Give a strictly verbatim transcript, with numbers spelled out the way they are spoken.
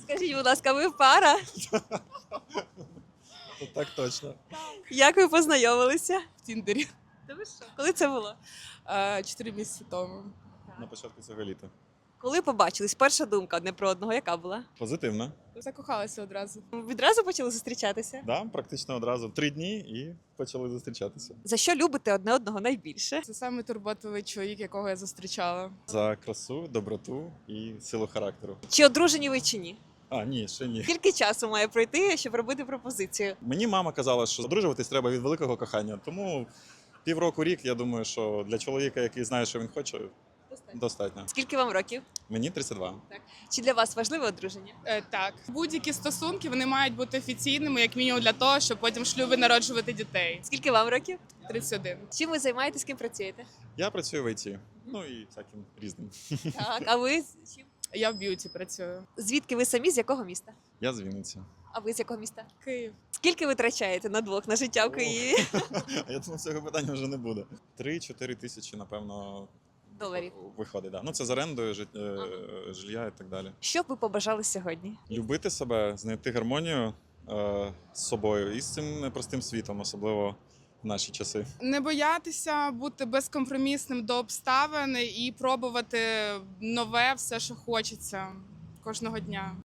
Скажіть, будь ласка, ви пара? Так точно. Як ви познайомилися? В Тіндері Та ви що? Коли це було? е, чотири місяці тому. На початку цього літа. Коли побачились, перша думка одне про одного, яка була? Позитивно. Закохалася одразу. Відразу почали зустрічатися? Да, практично одразу. Три дні і почали зустрічатися. За що любите одне одного найбільше? Це саме турботливий чоловік, якого я зустрічала. За красу, доброту і силу характеру. Чи одружені ви чи ні? А, ні, ще ні. Скільки часу має пройти, щоб робити пропозицію? Мені мама казала, що одружуватись треба від великого кохання. Тому півроку, рік, я думаю, що для чоловіка, який знає, що він хоче, достатньо. Скільки вам років? Мені тридцять два. Чи для вас важливе одруження? Е, так, будь-які стосунки вони мають бути офіційними, як мінімум для того, щоб потім в шлюбі народжувати дітей. Скільки вам років? тридцять один. Чим ви займаєтесь, ким працюєте? Я працюю в ай ті. Ну і всяким різним. Так, а ви з чим? Я в б'юті працюю. Звідки ви самі, з якого міста? Я з Вінниці. А ви з якого міста? Київ. Скільки ви витрачаєте на двох на життя в Києві? А я думав, цього питання вже не буде. Три-чотири тисячі, напевно, Доларів. виходить. Да. Ну це з орендою, жит- е, жилья і так далі. Що б ви побажали сьогодні? Любити себе, знайти гармонію е, з собою і з цим непростим світом, особливо в наші часи. Не боятися бути безкомпромісним до обставин і пробувати нове все, що хочеться кожного дня.